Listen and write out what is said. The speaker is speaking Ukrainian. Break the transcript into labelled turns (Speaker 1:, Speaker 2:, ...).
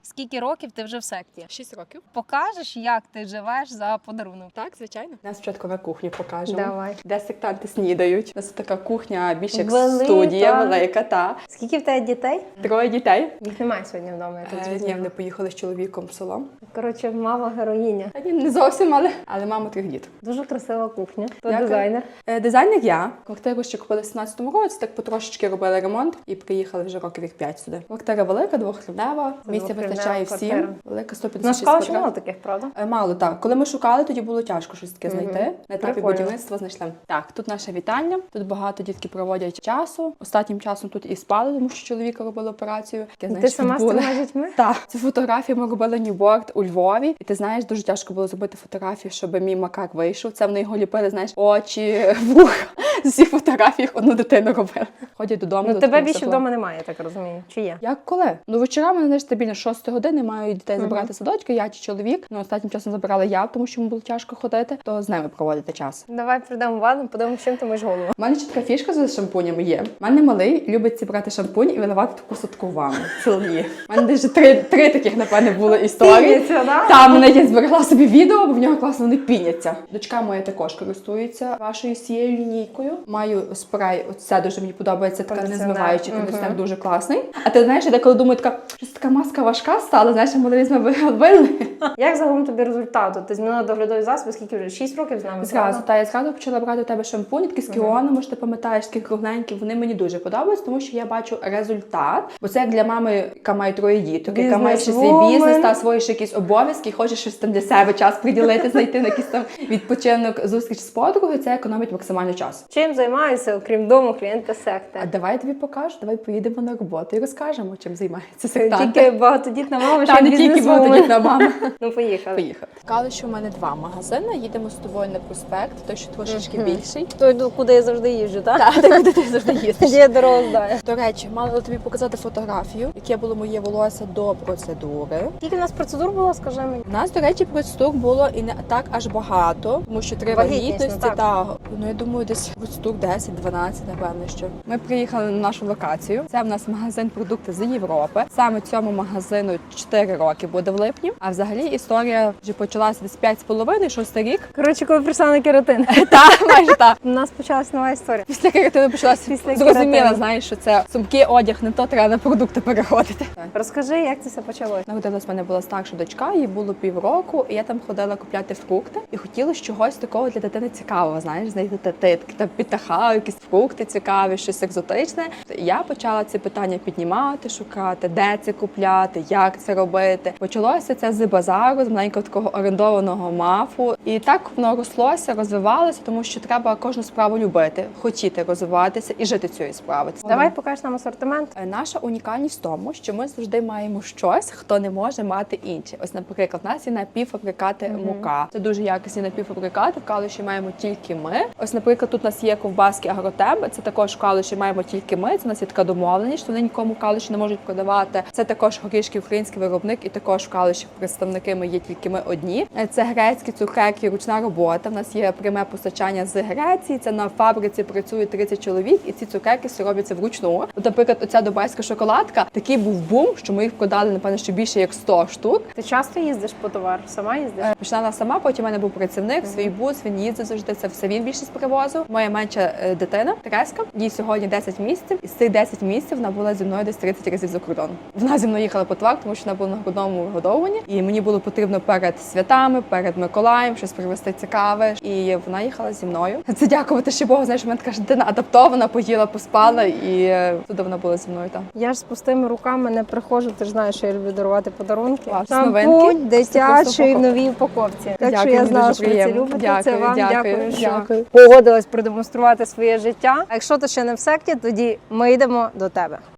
Speaker 1: Скільки років ти вже в секті?
Speaker 2: 6 років.
Speaker 1: Покажеш, як ти живеш за подарунок?
Speaker 2: Так, звичайно. Нас спочатку на кухню покажемо.
Speaker 1: Давай.
Speaker 2: Де сектанти снідають. У нас така кухня, більше як
Speaker 1: Велика.
Speaker 2: студія, велика, та.
Speaker 1: Скільки в тебе дітей?
Speaker 2: 3 дітей.
Speaker 1: Їх немає сьогодні вдома, я тут
Speaker 2: Ні,
Speaker 1: зрозуміла.
Speaker 2: вони поїхали з чоловіком в село.
Speaker 1: Коротше, мама героїня.
Speaker 2: Та ні, не зовсім, але мама 3 дітей.
Speaker 1: Дуже красива кухня. Хто
Speaker 2: Дякую.
Speaker 1: дизайнер?
Speaker 2: Дизайнер я. Квартиру ще купили в 17-му році, так потрошечки робили ремонт і приїхали вже років 5 сюди. Квартира велика, двохкривнева, місця
Speaker 1: двохкривнева
Speaker 2: вистачає
Speaker 1: квартира.
Speaker 2: всім. Велика,
Speaker 1: На
Speaker 2: 156
Speaker 1: школі ще мало
Speaker 2: квадратів.
Speaker 1: таких, правда?
Speaker 2: Мало, так. Коли ми шукали, тоді було тяжко щось таке знайти. На етапі
Speaker 1: Прикольно.
Speaker 2: будівництва знайшли. Так, тут наша вітальня. Тут багато дітки проводять часу. Останнім часом тут і спали, тому що чоловіка робили операцію.
Speaker 1: Ти сама з трьома дітьми?
Speaker 2: Так, це фотографії ми робили ньюборд у Львові. І ти знаєш, дуже тяжко було зробити фотографію, щоб мій макак вийшов. Це вони його ліпили, знаєш, очі, вуха. З усіх фотографій одну дитину робили. Ходять додому.
Speaker 1: Ну
Speaker 2: до
Speaker 1: тебе
Speaker 2: такого
Speaker 1: більше
Speaker 2: всього.
Speaker 1: вдома немає, я так розумію. Чи є?
Speaker 2: Як коли? Ну вечорами, знаєш, стабільно 6 години маю дітей забирати з садочка, я чи чоловік. Ну останнім часом забирала я, тому що йому було тяжко ходити, то з ними проводити час.
Speaker 1: Давай прийдемо в ванну, подивимося, чим ти миєш голову.
Speaker 2: У мене ще така фішка з шампунями є. У мене малий любить зібрати шампунь і виливати таку садку ванну. Цілі. У мене десь три таких, напевне, було історії.
Speaker 1: Піняться, да?
Speaker 2: Там мене я зберегла собі відео, бо в нього класно вони піняться. Дочка моя також користується вашою цією лінійкою. Маю спрей, оце дуже мені подобається, така
Speaker 1: Кондиціонер.
Speaker 2: незмиваючий кондиціонер, дуже класний. А ти знаєш, я деколи думаю, така, щось така маска важка стала, знаєш, моделізми вили.
Speaker 1: Як загалом тобі результат? Ти змінила доглядові засоби, скільки вже? 6 років з нами?
Speaker 2: Зразу,
Speaker 1: правда?
Speaker 2: та я зразу почала брати у тебе шампунь, такі з Кіону, може ти пам'ятаєш, такі кругленькі, вони мені дуже подобаються, тому що я бачу результат. Бо це як для мами, яка має 3 діток, яка має ще свій
Speaker 1: Бізнес-вумен.
Speaker 2: бізнес та свої ще якісь обов'язки, і хоче щось там для себе час приділити, знайти на якийсь там відпочинок, зустріч з подругою, це економить максимально час.
Speaker 1: Чим займаюся, окрім дому, клієнти секти?
Speaker 2: А давай я тобі покажу, давай поїдемо на роботу і розкажемо, чим займається сектант.
Speaker 1: Тільки багатодітна мама,
Speaker 2: Та
Speaker 1: ще
Speaker 2: не тільки
Speaker 1: бізнес-вумен.
Speaker 2: багатодітна мама.
Speaker 1: Ну, поїхали.
Speaker 2: Поїхали. Сказали, що в мене 2 магазини. Їдемо з тобою на проспект, той, що трошечки більший.
Speaker 1: Той, куди я завжди їжджу, так?
Speaker 2: Так, ти куди ти завжди їздиш.
Speaker 1: Тоді я дорогу знаю.
Speaker 2: До речі, мала тобі показати фотографію, яке було моє волосся до процедури.
Speaker 1: Скільки у нас процедур було, скажи мені?
Speaker 2: У нас, до речі, процедур було і не так аж багато, тому що 3
Speaker 1: Вагітність,
Speaker 2: вагітності,
Speaker 1: ну, так.
Speaker 2: та, ну я думаю, десь процедур 10-12, напевно, що. Ми приїхали на нашу локацію. Це в нас магазин продукти з Європи. Саме цьому магазину 4 роки буде в липні. А взагалі історія вже почалася десь 5,5-6 рік.
Speaker 1: Коротше, коли прийшла на кератин.
Speaker 2: Та, майже так.
Speaker 1: У нас почалась нова історія.
Speaker 2: Після карантину почалася
Speaker 1: Після
Speaker 2: зрозуміла,
Speaker 1: карантину.
Speaker 2: знаєш, що це сумки, одяг, не то треба на продукти переходити.
Speaker 1: Розкажи, як це все почалось?
Speaker 2: Народилась в мене була старша дочка, їй було півроку, і я там ходила купляти фрукти. І хотіла чогось такого для дитини цікавого, знаєш, знайти таки там підтаха, якісь фрукти цікаві, щось екзотичне. І я почала ці питання піднімати, шукати, де це купляти, як це робити. Почалося це з базару, з маленького такого орендованого мафу. І так воно рослося, розвивалося, тому що треба кожну справу любити, хотіти розвиватися і жити цією справою.
Speaker 1: Давай покажеш нам асортимент.
Speaker 2: Наша унікальність в тому, що ми завжди маємо щось, хто не може мати інше. Ось, наприклад, у нас є напівфабрикати мука. Це дуже якісні напівфабрикати. В Калуші маємо тільки ми. Ось, наприклад, тут у нас є ковбаски Агротемп. Це також в Калуші маємо тільки ми. Це у нас є така домовленість, що вони нікому в Калуші не можуть продавати. Це також горішки, український виробник, і також в Калуші представники ми є тільки ми одні. Це грецькі цукерки, ручна робота. У нас є пряме постачання з Греції. Це на фабриці працює 30 чоловік, і ці цукерки все робляться вручну. От, наприклад, оця дубайська шоколадка, такий був бум, що ми їх продали, напевно, що більше як 100 штук.
Speaker 1: Ти часто їздиш по товар? Сама їздиш?
Speaker 2: Починала сама, потім у мене був працівник, свій бус, він їздив завжди, це все він більшість привозив. Моя менша дитина, Тереска, їй сьогодні 10 місяців, і з цих 10 місяців вона була зі мною десь 30 разів за кордон. Вона зі мною їхала по товар, тому що вона була на грудному вигодовуванні, і мені було потрібно перед святами, перед Миколаєм щось привезти цікаве, і вона їхала зі мною. Це дякувати ще Богу, знаєш, в мене така ж дитина адаптована, поїла, поспала, і туди вона була зі мною там.
Speaker 1: Я ж з пустими руками не приходжу, ти ж знаєш, що я люблю дарувати подарунки.
Speaker 2: Клас,
Speaker 1: Шампунь
Speaker 2: новинки.
Speaker 1: дитячий в новій упаковці. Так що я знала, що ви це любите. Це вам дякую, що погодилась продемонструвати своє життя. А якщо ти ще не в секті, тоді ми йдемо до тебе.